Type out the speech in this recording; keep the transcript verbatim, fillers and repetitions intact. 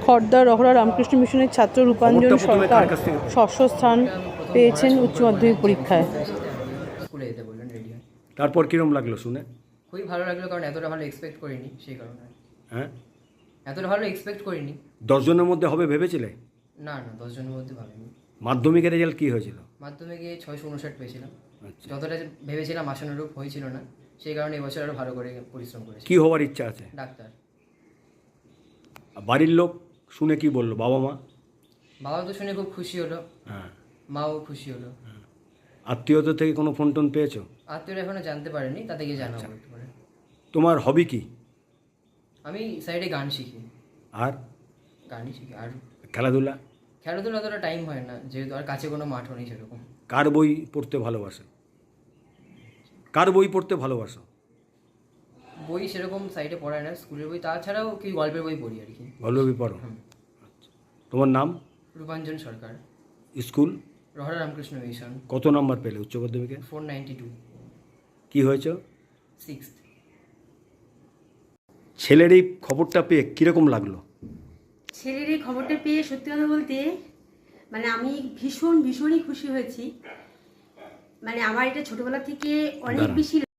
খড়দা রহরা রামকৃষ্ণ মিশনের ছাত্র রূপাঞ্জন সরকার ষষ্ঠ স্থান পেয়েছেন উচ্চ মাধ্যমিক পরীক্ষায়। স্কুলে যেতে বললেন, রেডি হয়। তারপর কিরম লাগলো শুনে? খুবই ভালো লাগলো, কারণ এতটা ভালো এক্সপেক্ট করিনি, সেই কারণে। হ্যাঁ, এতটা ভালো এক্সপেক্ট করিনি। দশজনের মধ্যে হবে ভেবেছিলে? না না, দশজনের মধ্যে ভাবিনি। মাধ্যমিকের রেজাল্ট কী হয়েছিল? মাধ্যমিকে ছয়শো উনষাট পেয়েছিলাম। আচ্ছা, যতটা ভেবেছিলাম আশানুরূপ হয়েছিল না, সেই কারণে এবছর আরও ভালো করে পরিশ্রম করেছি। কী হওয়ার ইচ্ছা আছে? ডাক্তার। আর বাড়ির লোক শুনে কি বললো, বাবা মা? বাবা তো শুনে খুব খুশি হলো, হ্যাঁ, মাও খুশি হলো। আত্মীয়তা থেকে কোনো ফোন টোন পেয়েছো? আত্মীয়রা এখনো জানতে পারেনি, তাদেরকে জানাবো একটু পরে। তোমার হবি কি? আমি সাইডে গান শিখি। আর গানই শিখি। আর খেলাধুলা? খেলাধুলা অতটা টাইম হয় না, যেহেতু আর কাছে কোনো মাঠও নেই সেরকম। কার বই পড়তে ভালোবাসো? কার বই পড়তে ভালোবাসো? বই সেরকম সাইডে পড়ায় না, স্কুলের বই, তাছাড়াও কি গল্পের বই পড়ি আর কি। গল্প বই পড়ো? আচ্ছা, তোমার নাম? রূপাঞ্জন সরকার। স্কুল? রহরা রামকৃষ্ণ মিশন। কত নাম্বার পেলে উচ্চ মাধ্যমিকে? Four ninety two. কী হয়েছে? সিক্স। ছেলের এই খবরটা পেয়ে কীরকম লাগলো? ছেলের এই খবরটা পেয়ে সত্যি কথা বলতে মানে আমি ভীষণ ভীষণই খুশি হয়েছি। মানে আমার এটা ছোটবেলা থেকে অনেক দাঁড়ান। বেশি